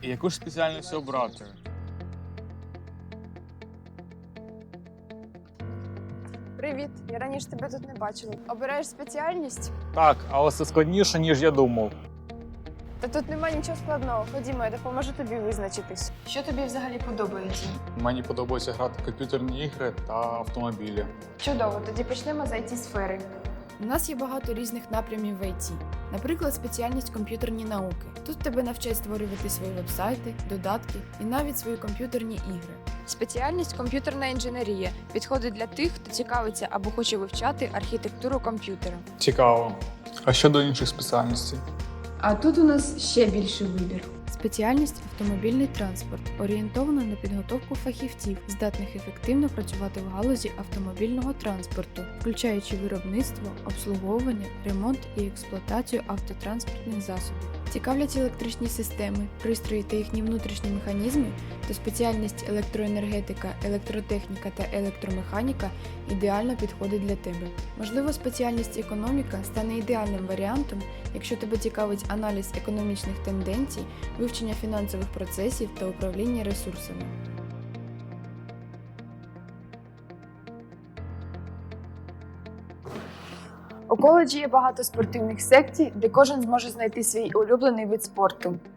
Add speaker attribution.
Speaker 1: Яку ж спеціальність обрати?
Speaker 2: Привіт, я раніше тебе тут не бачила. Обираєш спеціальність?
Speaker 1: Так, але це складніше, ніж я думав.
Speaker 2: Та тут нема нічого складного. Ходімо, я допоможу тобі визначитись. Що тобі взагалі подобається?
Speaker 1: Мені подобається грати в комп'ютерні ігри та автомобілі.
Speaker 2: Чудово, тоді почнемо з IT-сфери.
Speaker 3: У нас є багато різних напрямів в IT. Наприклад, спеціальність комп'ютерні науки. Тут тебе навчать створювати свої вебсайти, додатки і навіть свої комп'ютерні ігри.
Speaker 2: Спеціальність комп'ютерна інженерія підходить для тих, хто цікавиться або хоче вивчати архітектуру комп'ютера.
Speaker 1: Цікаво. А щодо інших спеціальностей?
Speaker 3: А тут у нас ще більший вибір. Спеціальність автомобільний транспорт орієнтована на підготовку фахівців, здатних ефективно працювати в галузі автомобільного транспорту, включаючи виробництво, обслуговування, ремонт і експлуатацію автотранспортних засобів. Цікавлять електричні системи, пристрої та їхні внутрішні механізми, то спеціальність електроенергетика, електротехніка та електромеханіка ідеально підходить для тебе. Можливо, спеціальність економіка стане ідеальним варіантом, якщо тебе цікавить аналіз економічних тенденцій, вивчення фінансових процесів та управління ресурсами.
Speaker 2: У коледжі є багато спортивних секцій, де кожен зможе знайти свій улюблений вид спорту.